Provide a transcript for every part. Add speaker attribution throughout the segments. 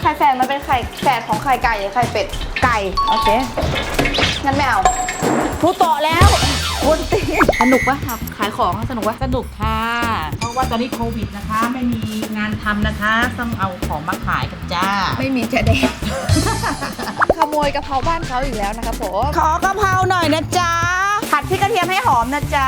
Speaker 1: ข่แฝดมันเป็นไข่แฝดของไข่ไก่หรือไข่เป็ดไก่โอเคงั้นไม่เอาพูดต่อแล้ววนตีสนุกปะครับขายของสนุกปะ
Speaker 2: สนุกค่ะเพราะว่าตอนนี้โควิดนะคะไม่มีงานทำนะคะต้องเอาของมาขายกันจ้า
Speaker 1: ไม่มีจะเด็กขโมยกะเพราบ้านเขาอีกแล้วนะคะผม
Speaker 2: ขอกะเพราหน่อยนะจ๊ะผัดพริกกระเทียมให้หอมนะจ๊ะ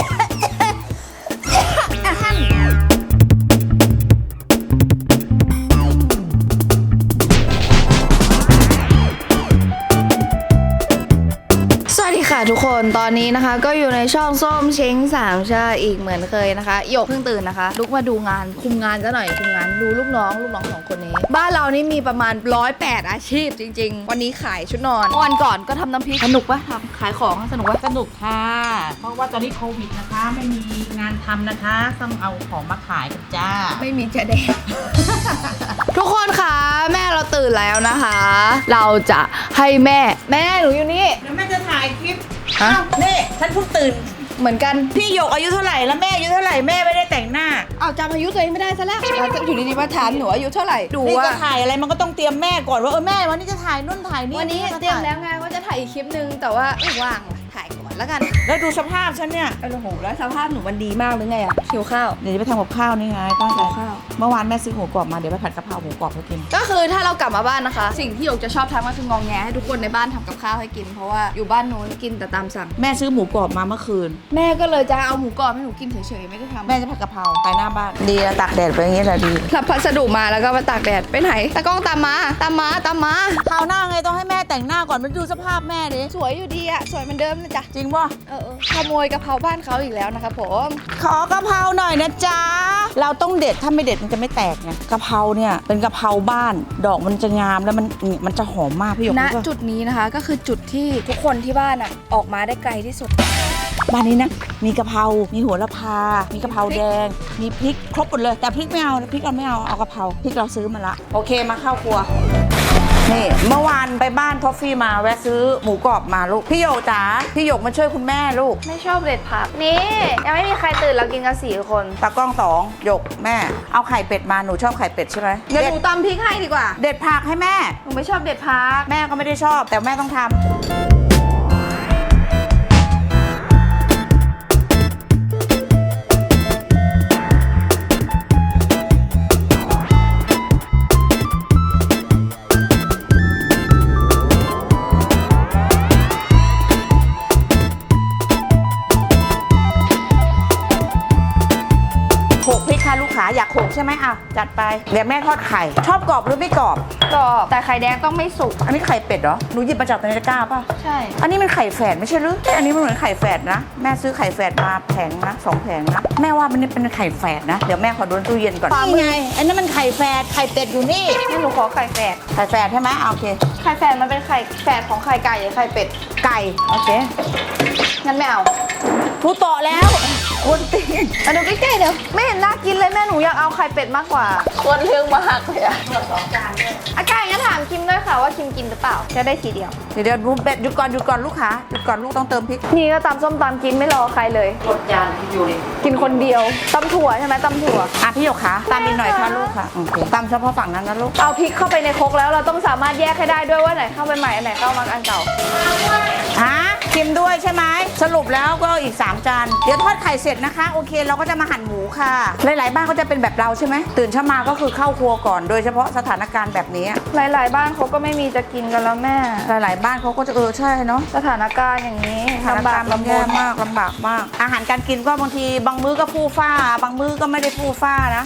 Speaker 1: สวัสดีค่ะทุกคนตอนนี้นะคะก็อยู่ในช่องส้มเช้งสามชาอีกเหมือนเคยนะคะหยกเพิ่งตื่นนะคะลุกมาดูงานคุมงานซะหน่อยคุมงานดูลูกน้องสองคนนี้บ้านเรานี่มีประมาณ108อาชีพจริงๆวันนี้ขายชุดนอนวันก่อนก็ทำน้ำพริกสนุกปะทำขายของสนุกปะ
Speaker 2: สนุกค่ะเพราะว่าตอนนี้โควิดนะคะไม่มีงานทำนะคะต้องเอาของมาขายกันจ้า
Speaker 1: ไม่มีจะเด็ก ทุกคนคะแม่เราตื่นแล้วนะคะ เราจะให้แม่หนูอยู่นี่
Speaker 2: เดี๋ยวแม่จะถ่ายคลิปนี่ฉันเพิ่งตื่น
Speaker 1: เหมือนกัน
Speaker 2: พี่หยกอายุเท่าไหร่แล้วแม่อายุเท่าไหร่แม่ไม่ได้แต่งหน้า
Speaker 1: เอาจำอายุตัวเองไม่ได้ซะแล้วอยู่ดีๆมาถามหนูอายุเท่าไหร่ดู
Speaker 2: ว่า
Speaker 1: ว่า
Speaker 2: จะถ่ายอะไรมันก็ต้องเตรียมแม่ก่อนว่าแม่วันนี้จะถ่ายนู่นถ่ายนี่
Speaker 1: วันนี้เตรียมแล้วไงว่าจะถ่ายอีกคลิปนึงแต่ว่าว่างถ่ายก่อนแล้วกัน
Speaker 2: แล้วดูสภาพฉันเนี่ย
Speaker 1: โอ้โหแล้วสภาพหนูมันดีมากหรือไงอะหิวข้าว
Speaker 2: เดี๋ยวจะไปทำกับข้าวนี่ไงตั้งใจ
Speaker 1: ข้าว
Speaker 2: เมื่อวานแม่ซื้อหมูกรอบมาเดี๋ยวไปผัดกะเพราหมูกรอบให้กิน
Speaker 1: ก็คือถ้าเรากลับมาบ้านนะคะสิ่งที่หยกจะชอบทำก็คืององแงให้ทุกคนในบ้านทำกับข้าวให้กินเพราะว่าอยู่บ้านนู้นกินแต่ตามสั่ง
Speaker 2: แม่ซื้อหมูกรอบมาเมื่อคืน
Speaker 1: แม่ก็เลยจะเอาหมูกรอบให้หนูกินเฉยๆไม่ได้ทำ
Speaker 2: แม่จะผัดกะเพราไปหน้าบ้านดีตากแดดไปอย่างนี้แหละดี
Speaker 1: รับพัสดุมาแล้วก็มาตากแดดไปไหนตากล้องตามมาคร
Speaker 2: าวหน้าไงต้องให้แม่แต่งหน้าก่อนมันดูสภาพแม่ดิ
Speaker 1: สวยอยู่ดีอะสวยเหมือนเดิมนะจ๊ะ
Speaker 2: จริงป่ะ
Speaker 1: ขโมยกะเพราบ้านเขาอีกแล้วนะคะผม
Speaker 2: ขอกะเพราหน่อยนะจ๊ะเราต้องเด็ดถ้าไม่เด็ดมันจะไม่แตกไงกะเพราเนี่ยเป็นกะเพราบ้านดอกมันจะงามแล้วมันจะหอมมากพี่หยก
Speaker 1: ณจุดนี้นะคะก็คือจุดที่ทุกคนที่บ้านอะออกมาได้ไกลที่สุด
Speaker 2: บ้านนี้นะมีกะเพรามีโหระพามีกะเพราแดงมีพริกครบหมดเลยแต่พริกไม่เอาพริกเราไม่เอากะเพราพริกเราซื้อมาละโอเคมาเข้าครัวนี่เมื่อวานไปบ้านทอฟฟี่มาแวะซื้อหมูกรอบมาลูกพี่หยกจ๋าพี่หยกมาช่วยคุณแม่ลูก
Speaker 1: ไม่ชอบเด็ดผักนี่ยังไม่มีใครตื่นเรากินกัน4 คน
Speaker 2: ตากล้อง2หยกแม่เอาไข่เป็ดมาหนูชอบไข่เป็ดใช่ไหม
Speaker 1: เดี๋ยวหนูตำพริกให้ดีกว่า
Speaker 2: เด็ดผักให้แม่
Speaker 1: หนูไม่ชอบเด็ดผัก
Speaker 2: แม่ก็ไม่ได้ชอบแต่แม่ต้องทำลูกค้าอยากโขกใช่ไหมจัดไปเดี๋ยวแม่ทอดไข่ชอบกรอบหรือไม่กรอบ
Speaker 1: กรอบแต่ไข่แดงต้องไม่สุก
Speaker 2: อันนี้ไข่เป็ดเหรอหนูหยิบมาจากในตะกร้าป่ะ
Speaker 1: ใช่
Speaker 2: อันนี้มันไข่แฝดไม่ใช่หรืออันนี้มันเหมือนไข่แฝดนะแม่ซื้อไข่แฝดมาแผงนะ2 แผงนะแม่ว่ามันนี่เป็นไข่แฝดนะเดี๋ยวแม่ขอดูตู้เย็นก่อน
Speaker 1: นี่ไง
Speaker 2: อันนี้มันไข่แฝดไข่เป็ดอยู่นี่
Speaker 1: ให้หนูขอไข่แฝด
Speaker 2: ใช่ไหมโอเค
Speaker 1: ไข่แฝดมันเป็นไข่แฝดของไข่ไก่หรือไข่เป็ด
Speaker 2: ไก่
Speaker 1: โอเคงั้นไม่เอา
Speaker 2: พูดต่อแล้ววนตี
Speaker 1: มาดูใกล้ๆเดี๋ยวไม่เห็นน่ากินเลยแม่หนูอยากเอาไข่เป็ดมากกว่าควรเรื่องมากเลยอะ2 จานด้วยอาการงั้นถามคิมด้วยค่ะว่าคิมกินหรือเปล่าจะได้ทีเดียว
Speaker 2: เดี๋ยวดูเป็ดหยุดก่อนลูกค้าหยุดก่อนลูกต้องเติมพริก
Speaker 1: นี่ก็ตำส้มตำกินไม่รอใครเลย
Speaker 2: หมดจานอยู่เลย
Speaker 1: กินคนเดียวตำถั่วใช่ไหมตำถั่ว
Speaker 2: พี่หยกคะตามนิดหน่อยค่ะลูกค่ะโอเคตามเฉพาะฝั่งนั้นนะลูก
Speaker 1: เอาพริกเข้าไปในครกแล้วเราต้องสามารถแยกให้ได้ด้วยว่าไหนเข้าไปใหม่อันไหนเข้ามาอันเก่า
Speaker 2: คิมด้วยใช่ไหมสรุปแล้วก็อีก3 จานเดี๋ยวทอดไข่เสร็จนะคะโอเคเราก็จะมาหั่นหมูค่ะหลายๆบ้านก็จะเป็นแบบเราใช่ไหมตื่นเช้ามาก็คือเข้าครัวก่อนโดยเฉพาะสถานการณ์แบบนี้
Speaker 1: หลายๆบ้านเขาก็ไม่มีจะกินกันแล้วแม่
Speaker 2: หลายๆบ้านเขาก็จะใช่เนาะ
Speaker 1: สถานการณ์อย่างนี้
Speaker 2: ลำบากลำบากมากอาหารการกินก็บางทีบางมื้อก็ฟู่ฟ้าบางมื้อก็ไม่ได้ฟู่ฟ้านะ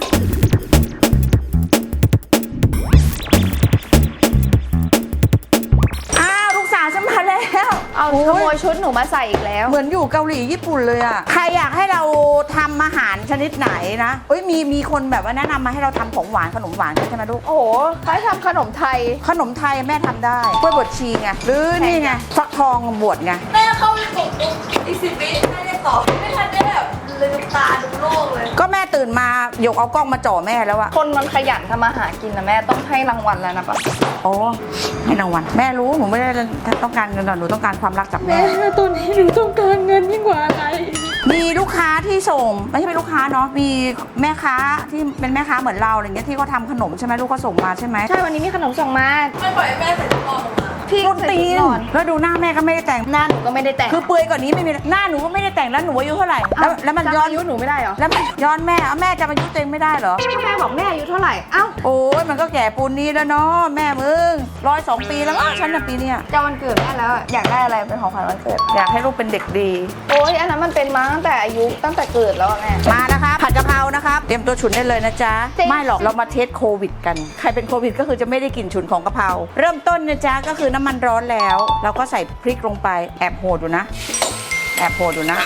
Speaker 2: ฉันมาแล้ว
Speaker 1: เอาขโมยชุดหนูมาใส่อีกแล้ว
Speaker 2: เหมือนอยู่เกาหลีญี่ปุ่นเลยอ่ะใครอยากให้เราทำอาหารชนิดไหนนะมีคนแบบว่าแนะนำมาให้เราทำของหวานขนมหวานใช่ไหมลูก
Speaker 1: โอ้โหใครทำขนมไทย
Speaker 2: แม่ทำได้กล้วยบดชีไงหรือนี่ไงฟักทองบวชไง
Speaker 1: แม่เข้าไปกดอีก10 วิไม่ได้ตอบไม่ทันได้แบบลืมตาดูโลกเลย
Speaker 2: ก็แม่ตื่นมาหยกเอากล้องมาจ่อแม่แล้วอะ
Speaker 1: คนมันขยันทำอาหารกินนะแม่ต้องให้รางวัลแล้วนะปะ
Speaker 2: โอ้ให้รางวัลแม่รู้หนูไม่ได้ต้องการเงินหนูต้องการความรักจากแม่
Speaker 1: ตอนนี้หนูต้องการเงินยิ่งกว่าอะไร
Speaker 2: มีลูกค้าที่ส่งไม่ใช่เป็นลูกค้าเนาะมีแม่ค้าที่เป็นแม่ค้าเหมือนเราอะไรเงี้ยที่เขาทำขนมใช่ไหมลูกเขาส่งมาใช่ไหม
Speaker 1: ใช่วันนี้มีขนมส่งมา
Speaker 3: ไม่ปล่อยให้แม่ใส่ถุงนอนลงมา
Speaker 1: พี่
Speaker 2: ต้นตีน
Speaker 1: ก่อน
Speaker 2: แล้วดูหน้าแม่ก็ไม่ได้แต่ง
Speaker 1: หน้าหนูก็ไม่ได้แต่ง
Speaker 2: คือเปลือยกว่านี้ไม่มีหน้าหนูก็ไม่ได้แต่งแล้วหนูอายุเท่าไหร่แล้วมันย้อน
Speaker 1: จำอายุหนูไม่ได้เหรอ
Speaker 2: แล้วมันย้อนแม่เอาแม่จำอายุตัวเองไม่ได้เหรอ
Speaker 1: แม่บอกแม่อายุเท่าไหร่เอ้า
Speaker 2: โอ้ยมันก็แก่ปูนนี้แล้วเนาะแม่มึง102 ปีแล้วมั้งฉันน่ะปีเนี้ย
Speaker 1: จะวันเกิดแม่แล้วอยากได้อะไรเป็นของขวัญวันเกิด
Speaker 2: อยากให้ลูกเป็นเด็กดี
Speaker 1: โอ้ยอันนั้นมันเป็นมาตั้งแต่อายุตั้งแต่เกิดแล้วอะแม่
Speaker 2: มานะคะผัดกะเพรานะครับเตรียมตัวฉุนได้เลยนะจ๊ะ
Speaker 1: จริง
Speaker 2: ไม่หรอกเรามาเทสโควิดกันใครเป็นโควิดก็คือจะไม่ได้กลิ่นฉุนของกะเพราเริ่มต้นนะจ๊ะก็คือน้ำมันร้อนแล้วเราก็ใส่พริกลงไปแอบโหดดูนะแอบโหดดูนะ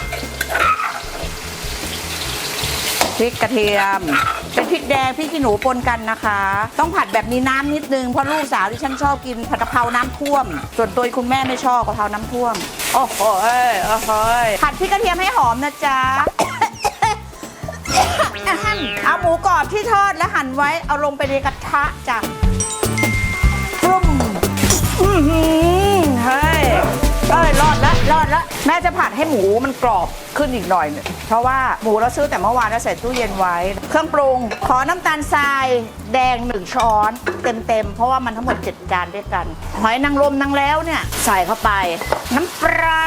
Speaker 2: พริกกระเทียมเป็นพริกแดงพริกขี้หนูปนกันนะคะ ต้องผัดแบบมีน้ำนิดนึงเพราะลูกสาวที่ฉันชอบกินผัดกะเพราน้ำท่วม ส่วนตัวคุณแม่ไม่ชอบกะเพราน้ำท่วมโอ้โหโอ้โหผัดพริกกระเทียมให้หอมนะจ๊ะ เอาหมูกรอบที่ทอดและหั่นไว้เอาลงไปในกระทะจ้ะปรุ้มเฮ้ยรอดละแม่จะผัดให้หมูมันกรอบขึ้นอีกหน่อยเนี่ยเพราะว่าหมูเราซื้อแต่เมื่อวานแล้วใส่ตู้เย็นไว้ เครื่องปรุงขอน้ำตาลทรายแดง1 ช้อนเต็มเพราะว่ามันทั้งหมด7 จานด้วยกันหอยนางรมนางแล้วเนี่ยใส่เข้าไปน้ำปลา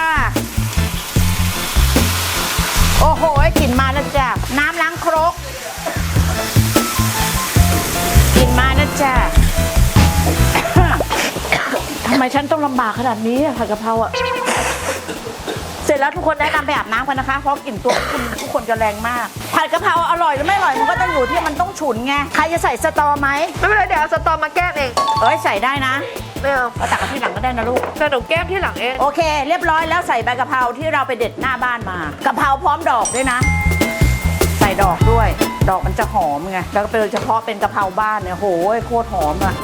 Speaker 2: โอ้โหกลิ่นมาแล้วจ้ะน้ำล้างครกกลิ่นมาแล้วจ้ะ ทำไมฉันต้องลำบากขนาดนี้ผัดกะเพราอะเสร็จแล้วทุกคนแนะนำไปอาบน้ำกันนะคะเพราะกลิ่นตัวทุกคนจะแรงมากผัดกะเพราอร่อยหรือไม่อร่อยมันก็ต้องอยู่ที่มันต้องฉุนไงใครจะใส่สตอไหม
Speaker 1: ไม่เป็นไรเดี๋ยวเอาสตอมาแก้มเอง
Speaker 2: เอ้ยใส่ได้นะ
Speaker 1: ไม่เอา
Speaker 2: เราตักกันที่หลังก็ได้นะลูก
Speaker 1: แต่หนูแก้มที่หลังเอง
Speaker 2: โอเค เรียบร้อยแล้วใส่ใบกะเพราที่เราไปเด็ดหน้าบ้านมากะเพราพร้อมดอกด้วยนะ ใส่ดอกด้วย ดอกมันจะหอมไงแล้วก็โดยเฉพาะเป็นกะเพราบ้านเนี่ยโหยโคตรหอมอะ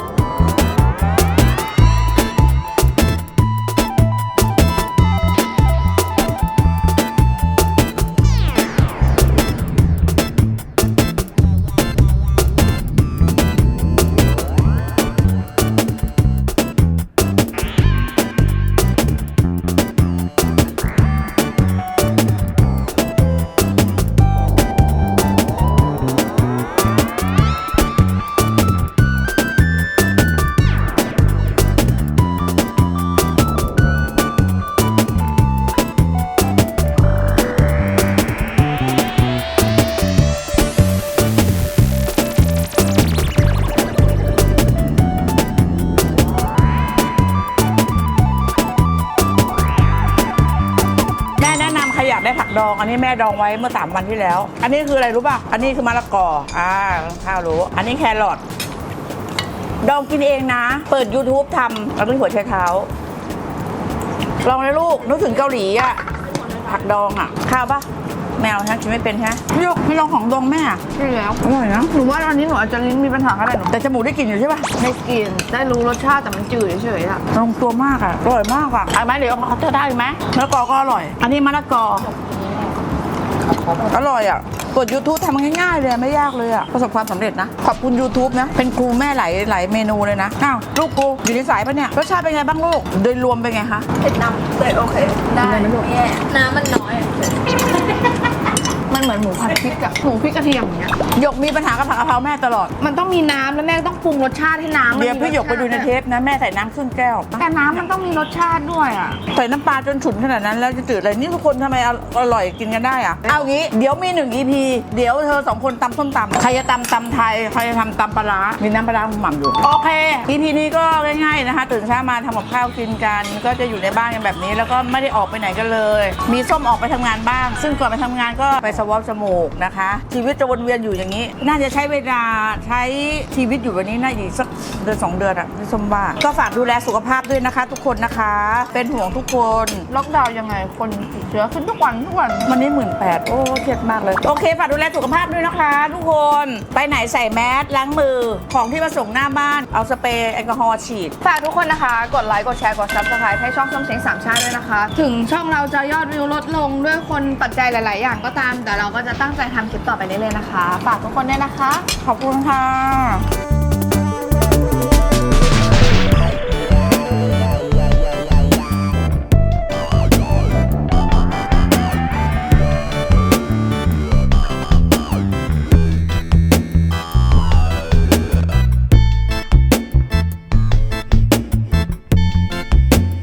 Speaker 2: อยากได้ผักดองอันนี้แม่ดองไว้เมื่อ3 วันที่แล้วอันนี้คืออะไรรู้ป่ะอันนี้คือมะละกอข้าวรู้อันนี้แครอทดองกินเองนะเปิด YouTube ทำแล้วก็หัวไชเท้าลองเลยลูกนึกถึงเกาหลีอะผักดองอะข้าวป่ะแมวฉันกินไม่เป็นใช่ไหมพี่ยกไม่ลองของดองแม่
Speaker 1: ใช่แล้ว
Speaker 2: อร่อยนะ
Speaker 1: หนูว่าตอนนี้หนูอาจจะลิ้นมีปัญหาก็ได้หนู
Speaker 2: แต่จมูกได้กลิ่นอยู่ใช่ป่ะ
Speaker 1: ไม่กินได้รู้รสชาติแต่มันจืดเฉยๆอะ
Speaker 2: ลงตัวมากอะอร่อยมากอะเอาไหมเดี๋ยวเขาจะได้ไหมมะละกอก็อร่อย อันนี้มะละกออร่อยอ่ะกด YouTube ทำง่ายๆเลยไม่ยากเลยอ่ะประสบความสำเร็จนะขอบคุณ YouTube นะเป็นครูแม่หลายเมนูเลยนะอ้าวลูกกูอยู่ในสายปะเนี่ยรสชาติเป็นไงบ้างลูกโดยรวมเป็นไงคะ
Speaker 3: เผ็ดน้ำเลยโอเค ได้ไม่แย่น้ำมันน้อยอะ
Speaker 1: มันเหมือนหมูผัดพริกอะหมูพริกกระเทียมอย่างเงี้ย
Speaker 2: หยกมีปัญหากับผักกะเพราแม่ตลอด
Speaker 1: มันต้องมีน้ำแล้วแม่ต้องปรุงรสชาติให้น้ำมัน
Speaker 2: เดี๋ยวพี่หยกไปดูในเทปนะแม่ใส่น้ำครึ่งแก้ว
Speaker 1: แต่น้ำมันต้องมีรสชาติด้วยอะ
Speaker 2: ใส่น้ำปลาจนฉุนขนาดนั้นแล้วจะจืดอะไรนี่ทุกคนทำไมอร่อยกินกันได้อะเอางี้เดี๋ยวมี1 EP เดี๋ยวเธอ2 คนตำส้มตำใครจะตำไทยใครจะทำตำปลาร้ามีน้ำปลาร้าหม่ำอยู่โอเค EP นี้ก็ง่ายๆนะคะตื่นเช้ามาทำกับข้าวกินกันก็จะอยู่ในบ้านกันแบบนี้ แล้วก็ไม่ได้ออกไปไหนกันเลย มีส้มออกไปทำงานบ้าง ซึ่งก่อนไปทำงานก็ไปสวอปจมูกนะคะชีวิตจะวนเวียนอยู่อย่างนี้ น่าจะใช้เวลาใช้ชีวิตอยู่แบบนี้น่าจะอีกสักเดือน2 เดือนอะพี่ส้มว่าก็ฝากดูแลสุขภาพด้วยนะคะ ทุกคนนะคะ เป็นห่วงทุกคน
Speaker 1: ล็อกดาวน์ยังไงคนติดเชื้อขึ้นทุกวัน
Speaker 2: วันนี้18,000โอ้เครียดมากเลยโอเคฝากดูแลสุขภาพด้วยนะคะ ทุกคนไปไหนใส่แมสล้างมือของที่มาส่งหน้าบ้านเอาสเปรย์แอลกอฮอล์ฉีด
Speaker 1: ฝากทุกคนนะคะ กดไลค์กดแชร์กด Subscribe ให้ช่องส้มเช้งสามชาติด้วยนะคะ ถึงช่องเราจะยอดวิวลดลงด้วยคนปัจจัยหลาย ๆ อย่างก็ตาม แต่เราก็จะตั้งใจทำคลิปต่อไปเรื่อย ๆ นะคะ ฝากทุกคนด้วยนะคะ
Speaker 2: ขอบคุณค่ะ